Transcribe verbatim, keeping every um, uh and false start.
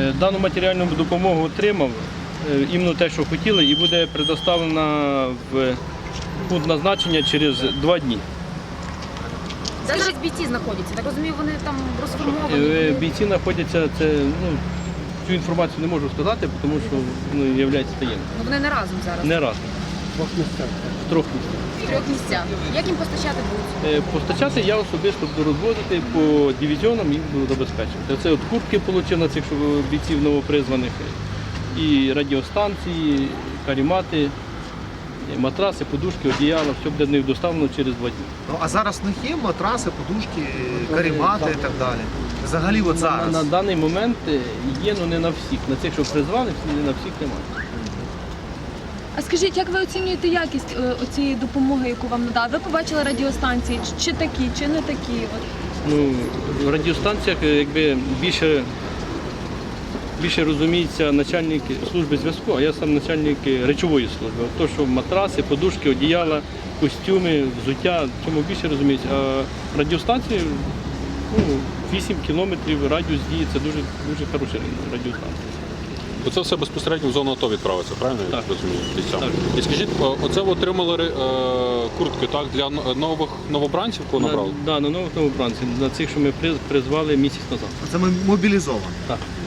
Дану матеріальну допомогу отримав, іменно те, що хотіли, і буде предоставлена в пункт назначення через два дні. Де зараз бійці знаходяться? Так розумію, вони там розформовані? Бійці знаходяться, це, ну, цю інформацію не можу сказати, тому що ну, є таємним. Ну вони не разом зараз? Не разом. В двох місцях. В трьох місцях. В трьох місцях. Як їм постачати будуть? Постачати я особисто буду розвозити по дивізіонам і буду забезпечувати. Це от куртки отримав на цих бійців новопризваних, і радіостанції, карімати, матраси, подушки, одіяла, все буде в них доставлено через два дні. Ну, а зараз в них є матраси, подушки, карімати і так далі? Взагалі от зараз? На, на даний момент є, але не на всіх. На цих, що призвали, не на всіх немає. А скажіть, як ви оцінюєте якість цієї допомоги, яку вам надали? Ви побачили радіостанції, чи такі, чи не такі? От. Ну, в радіостанціях якби більше, більше розуміється начальник служби зв'язку, а я сам начальник речової служби. То, що матраси, подушки, одіяла, костюми, взуття, в цьому більше розуміється. А радіостанції, ну, вісім кілометрів радіус дії, це дуже, дуже хороша радіостанція. То це все безпосередньо в зону АТО відправиться, правильно я Так. розумію? Бійцям? Так. І скажіть, оце ви отримали е, куртки так, для нових новобранців, кого набрали? Так, на новому бранці, на цих, що ми призвали місяць назад. Це ми мобілізовані. Так.